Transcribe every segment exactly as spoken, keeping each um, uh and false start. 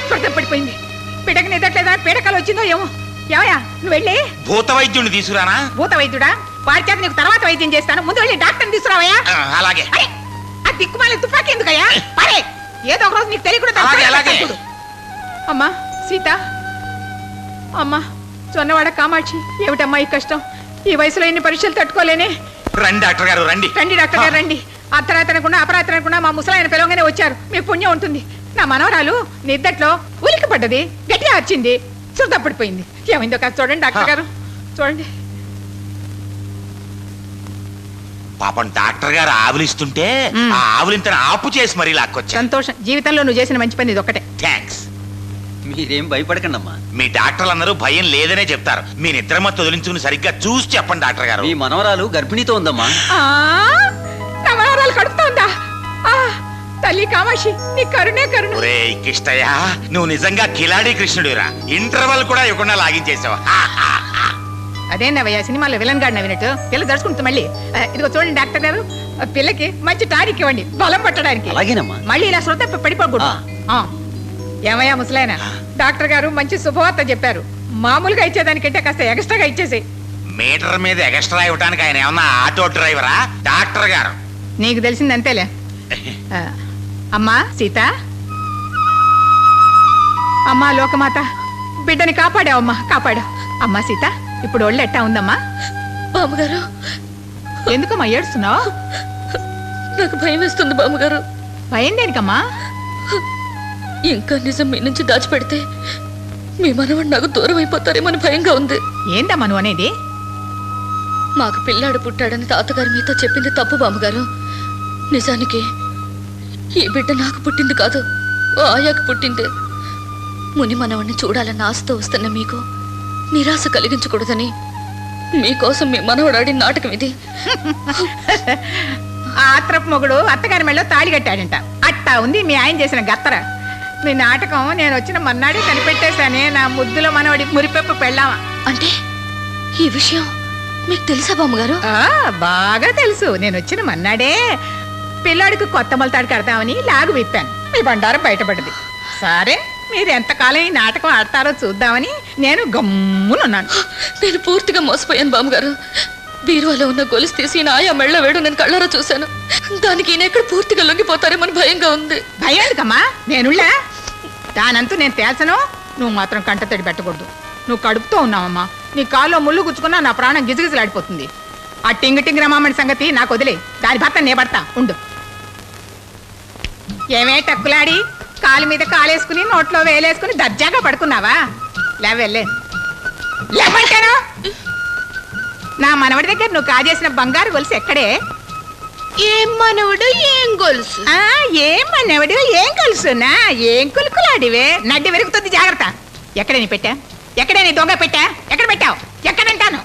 స్పృహ పడిపోయింది. బిడ్డకి నిద్రట్లేదా, పీడకలు వచ్చిందో ఏమో. ఏమయ్యా నువ్వు వెళ్ళి భూత వైద్యుడిని తీసుకురానా? భూత వైద్యుడా? వారి చేత నీకు తర్వాత వైద్యం చేస్తాను, ముందు వెళ్ళి డాక్టర్ని తీసుకురావయ్యా. అలాగే. ఆ దిక్కుమాలి తుపాకీ ఎందుకయ్యా? పరే, ఏదో ఒక రోజు నీకు తెలియకుండా. అమ్మా సీత, అమ్మా చొన్నవాడ కామాక్షి, ఏమిటమ్మా ఈ కష్టం? ఈ వయసులో ఎన్ని పరీక్షలు తట్టుకోలేనే. రండి డాక్టర్ గారు, రండి రండి డాక్టర్ గారు రండి. అర్ధరాత్రనకుండా అపరాత్రనకుండా మా ముసలాయన పిలవగానే వచ్చారు. మీ పుణ్యం ఉంటుంది. నా మనవరాలు నిద్దట్లో ఉలికి పడ్డది, గట్టిగా అరిచింది, శుద్ధ పడిపోయింది. ఏమైందో కాదు చూడండి డాక్టర్ గారు, చూడండి. పాపం డాక్టర్ గారు ఆవులిస్తుంటే ఆ ఆవులింతను ఆపు చేసి మరీ లాక్కొచ్చా. సంతోషం, జీవితంలో నువ్వు చేసిన మంచి పని ఇది ఒకటే. థ్యాంక్స్. మీరేం భయపడకండి అమ్మా. మీ డాక్టర్లు అందరూ భయం లేదనే చెప్తారు. మీ నిద్ర మత్తు వదిలించుకుని సరిగ్గా చూసి చెప్పండి డాక్టర్ గారు. మీ మనవరాలు గర్భిణీతో ఉందమ్మా. నా మనవరాలు కడుపుతోందా? తల్లి కామాక్షి, నీ కరుణే కరుణ. ఒరే కిష్టయ్య, నువ్వు నిజంగా కిలాడి కృష్ణుడిరా. ఇంటర్వల్ కూడా ఇవ్వకుండా లాగించేసావు. అదేనవయ్యా సినిమాలో విలన్ గాడు నవ్వినట్టు. పిల్ల దడుచుకుంటుంది మళ్ళీ. ఇదిగో చూడండి డాక్టర్ గారు, పిల్లకి మంచి టానిక్ ఇవ్వండి బలం పట్టడానికి. అలాగేనమ్మా. మళ్ళీ ఇలా శ్రద్ధ పడిపోకూడదు. ఏమయ్యా ముసలాయన, డాక్టర్ గారు మంచి శుభవార్త చెప్పారు. మామూలుగా ఇచ్చేదానికంటే కాస్త ఎక్స్ట్రాగా ఇచ్చేసి. మీటర్ మీద ఎక్స్ట్రా ఇవ్వడానికి ఆయన ఏమన్నా ఆటో డ్రైవరా? డాక్టర్ గారు. నీకు తెలిసింది అంతేలే. అమ్మా సీత, అమ్మా లోకమాత, బిడ్డని కాపాడావమ్మా, కాపాడా. అమ్మా సీత, ఇప్పుడు ఒళ్ళు ఎట్టా ఉందమ్మా? బామ్మగారు, ఎందుకమ్మా ఏడుస్తున్నావు? నాకు భయం వేస్తుంది బామ్మగారు. భయం దేనికమ్మా? ఇంకా నిజం మీ నుంచి దాచిపెడితే మీ మనవాడు నాకు దూరం అయిపోతారేమని భయంగా ఉంది. ఏందమ్మా నువ్వు అనేది? మాకు పిల్లాడు పుట్టాడని తాతగారు మీతో చెప్పింది తప్పు బామ్మగారు. నిజానికి ఈ బిడ్డ నాకు పుట్టింది కాదు, ఓ ఆయాకు పుట్టింది. ముని మనవాడిని చూడాలన్న ఆశతో వస్తున్న మీకు నిరాశ కలిగించకూడదని మీకోసం మీ మనవడు ఆడిన నాటకం ఇది. ఆత్రపు మొగుడు అత్తగారి మెళ్ళలో తాళి కట్టాడంట. అట్టా ఉంది మీ ఆయన చేసిన గత్తర. మీ నాటకం నేను వచ్చిన మన్నాడే కనిపెట్టేశానే. నా ముద్దులో మనవడి మురిపెప్పు పెళ్ళామా. అంటే ఈ విషయం మీకు తెలుసా బామ్మగారు? బాగా తెలుసు. నేను వచ్చిన మన్నాడే పిల్లాడికి కొత్త మొలతాడు కడతామని లాగు విప్పాను. మీ బండారం బయటపడ్డది. సరే, మీరు ఎంతకాలం ఈ నాటకం ఆడతారో చూద్దామని నేను గమ్మునున్నాను. నేను పూర్తిగా మోసపోయాను బామ్మగారు. బీరువాలో ఉన్న గొలుసు తీసి ఆయా మెళ్ళ వేడు నేను కళ్ళారా చూశాను. దానికి ఈయన ఎక్కడ పూర్తిగా లొంగిపోతారేమని భయంగా ఉంది. భయం ఎందుకమ్మా? నేనుళ్ళా? దానంతూ నేను తేల్చను. నువ్వు మాత్రం కంటతడి పెట్టకూడదు. నువ్వు కడుపుతో ఉన్నావమ్మా. నీ కాల్లో ముళ్ళు గుచ్చుకున్నా నా ప్రాణం గిజగిజలాడిపోతుంది. ఆ టింగ్ టింగ్ రమామణి సంగతి నాకు వదిలే. దాని భర్త నే పడతా ఉండు. ఏమే టక్కులాడి కాలు మీద కాలేసుకుని నోట్లో వేలేసుకుని దర్జాగా పడుకున్నావా? లేవెళ్ళే లేవంటాను. నా మనవడి దగ్గర నువ్వు కాజేసిన బంగారు గొలుసు ఎక్కడే? ఏం మనవడు ఏం గొలుసు? ఏం మనవడు ఏం గొలుసునా? ఏం కులుకులాడివే? నడ్డి వెరుగుతుంది, జాగ్రత్త. ఎక్కడే నీ పెట్టా? ఎక్కడే నీ దొంగ పెట్టా? ఎక్కడ పెట్టావు? ఎక్కడంటాను?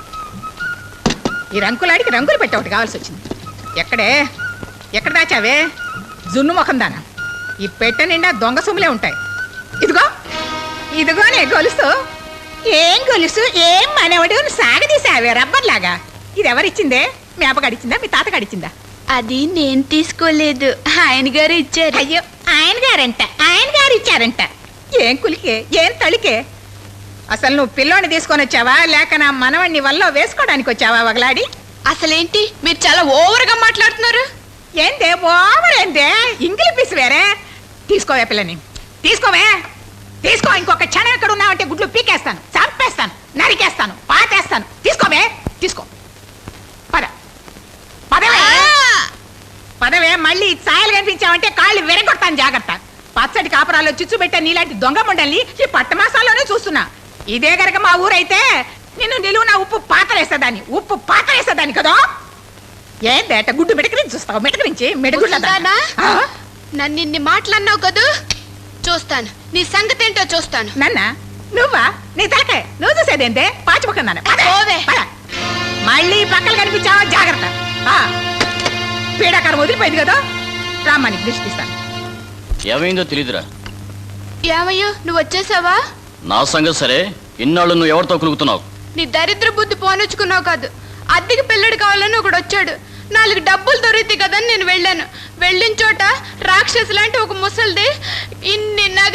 ఈ రంకులాడికి రంగులు పెట్టా ఒకటి కావాల్సి వచ్చింది. ఎక్కడే? ఎక్కడ దాచావే? జున్ను ముఖం దానా. ఈ పెట్టె నిండా దొంగ సొమ్ములే ఉంటాయి. ఇదిగో ఇదిగోనే గొలుసు. ఏం గొలుసు? ఏం మనవడు సాగదీసావే రబ్బర్లాగా. ఇది ఎవరిచ్చిందే? మీ అప్పగడిచ్చిందా, మీ తాతగాడిచ్చిందా? అది నేను తీసుకోలేదు, ఆయన గారు ఇచ్చారు. అయ్యో, ఆయన గారంట, ఆయన గారు ఇచ్చారంట. ఏం కులికే, ఏం తళికే? అసలు నువ్వు పిల్లోని తీసుకొని వచ్చావా, లేక నా మనవడిని వల్ల వేసుకోవడానికి వచ్చావా వగలాడి? అసలేంటి మీరు చాలా ఓవర్గా మాట్లాడుతున్నారు? ఏందే ఓవర్? ఏందే ఇంగిలి పీసు వేరే? తీసుకోవే పిల్లని, తీసుకోవే, తీసుకో. ఇంకొక క్షణం ఎక్కడ ఉన్నావంటే గుడ్లు పీకేస్తాను, చంపేస్తాను, నరికేస్తాను, పాతేస్తాను. తీసుకోవే, తీసుకో. పద పదవే, పదవే. మళ్ళీ ఛాయలు కనిపించావంటే కాళ్ళు విరగొడతాను, జాగ్రత్త. పచ్చడి కాపురాల్లో చిచ్చు పెట్టే నీలాంటి దొంగ ముండల్ని ఈ పట్టమాసాల్లోనే చూస్తున్నా. ఇదే గనక మా ఊరైతే నిన్ను నిలువున ఉప్పు పాతరేసేదాన్ని, ఉప్పు పాతరేసేదాన్ని కదా. ఏందేట గుడ్డు మెడకరించి చూస్తావు? మెడకరించి మెడగుడ్లదానా? నన్ను ఇన్ని మాటలన్నావు కదూ, చూస్తాను నీ సంగతి ఏంటో చూస్తాను. నన్న నువ్వా? నీ తలకాయ నువ్వు చూసేదేంటే? పాచిపోకుందాను. మళ్ళీ పక్కలు కనిపించావా, జాగ్రత్త. పీడాకారం వదిలిపోయింది కదా. రామ్మాని దృష్టి తీస్తాను. ఏమైందో తెలీదురా. ఏమయ్యో నువ్వు వచ్చేసావా? నా సంగతి సరే, ఇన్నాళ్ళు నువ్వు ఎవరితో కులుగుతున్నావు? నీ దరిద్ర బుద్ధి పోనొచ్చుకున్నావు కాదు. అద్దెకి పిల్లడు కావాలని ఒకడు వచ్చాడు. నాలుగు డబ్బులు దొరికితే కదని నేను వెళ్ళాను. వెళ్ళిన చోట రాక్షసు లాంటి ఒక ముసలిది ఇన్ని నగలు ఒంటి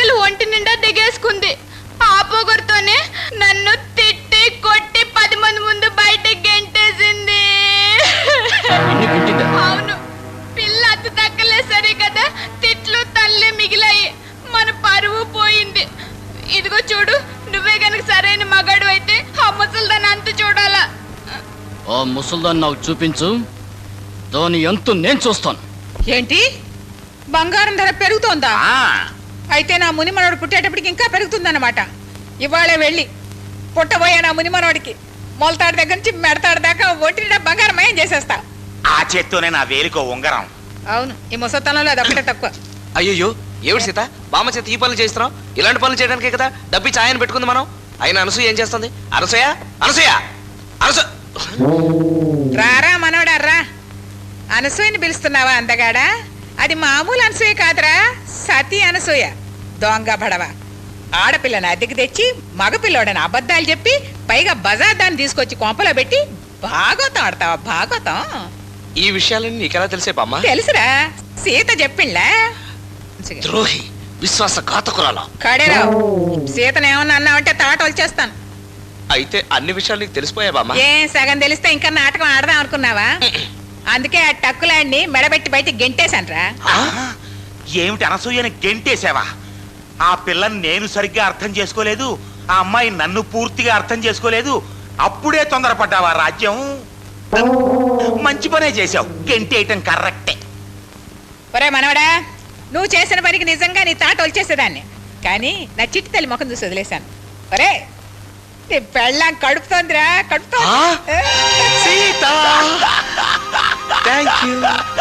నిండా దిగేసుకుంది. ఆ పొగరుతోనే నన్ను తిట్టి కొట్టి పది మంది ముందు బయటకి గెంటేసింది. నిన్ను కొట్టిందా? అవును, పిల్ల అతి దక్కలే సరే కదా, తిట్లు తల్లే మిగిలాయి. మన పరువు పోయింది. ఇదిగో చూడు, నువ్వే గనక సరైన మగాడు అయితే ఆ ముసలిదాన్ని అంత చూడాలా. ఆ ముసల్దాన్ని నాకు చూపించు, దాని ఎంతో నేను చూస్తాను. ఏంటి బంగారం ధర పెరుగుతోందా? ఆ, అయితే నా ముని మనవడు పుట్టేటప్పటికి ఇంకా పెరుగుతుందన్నమాట. ఇవాళే వెళ్ళి పుట్టబోయే నా ముని మనవడికి మొలతాడు దగ్గర నుంచి మెడతాడు దాకా ఒంటి బంగారం ఏం చేసేస్తా. ఆ చేత్తోనే నా వేలికో ఉంగరం. అవును, ఈ ముసతనంలో అది ఒకటే తక్కువ. అయ్యో ఏమిటి సీత, బామ్మ చేత ఈ పనులు చేస్తున్నాం? ఇలాంటి పనులు చేయడానికే కదా డబ్బి ఛాయని పెట్టుకుంది మనం. అయినా అనసూయ ఏం చేస్తుంది? అనసూయ అనసూయ అనసూ రారా మనవడా రా. అనసూయని పిలుస్తున్నావా అందగాడా? అది మామూలు అనసూయ కాదురా, సతీ అనసూయ. దొంగ బడవ ఆడపిల్లని అద్దెకి తెచ్చి మగపిల్లోడని అబద్ధాలు చెప్పి పైగా బజార్ దాన్ని తీసుకొచ్చి కొంపలో పెట్టి భాగవతం ఆడతావా? భాగవతం ఈ విషయాలన్నీ నీకెలా తెలిసే బామ్మ? తెలుసురా, సీత చెప్పిండ్లా. ద్రోహి, విశ్వాస ఘాతకురాలా. కడేరావు, సీతను ఏమన్నా అన్నావంటే తాట వచ్చేస్తాను. అయితే అన్ని విషయాలు నీకు తెలిసిపోయా బామ్మ? ఏం సగం తెలిస్తే ఇంకా నాటకం ఆడదాం అనుకున్నావా? అందుకే ఆ టక్కులాడిని మెడబెట్టి బయటికి గెంటేశాన్రా. ఆ, ఏమిటి అనసూయని గెంటేసావా? ఆ పిల్లని నేను సరిగ్గా అర్థం చేసుకోలేదు, ఆ అమ్మాయి నన్ను పూర్తిగా అర్థం చేసుకోలేదు. అప్పుడే తొందరపడ్డావా రాజ్యం? మంచి పనే చేశావు, గెంటేయటం కరెక్టే. ఒరే మనవడా, నువ్వు చేసిన పనికి నిజంగా నీ తాట వచ్చేసేదాన్ని, కానీ నా చిట్టి తల్లి ముఖం చూసి వదిలేశాను. ఒరే, నీ పెళ్ళాం కడుపుతోందిరా, కడుపుతోంది. ఆ? Sita thank you.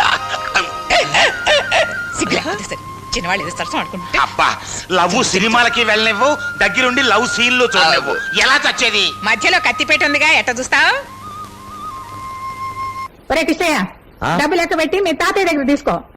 సిగ్గులేకపోతే సరే, చిన్నవాళ్ళు ఏదో సరసం ఆడుకుంటుంటే. అబ్బా, లవ్ సినిమాలకి వెళ్ళనివ్వు, దగ్గరుండి లవ్ సీన్లు చూడనివ్వు. ఎలా చచ్చేది? మధ్యలో కత్తిపేట ఉందిగా, ఎట్ట చూస్తావు? ఒరే కృష్ణయ్య, డబ్బు లెక్క పెట్టి మీ తాతయ్య దగ్గర తీసుకో.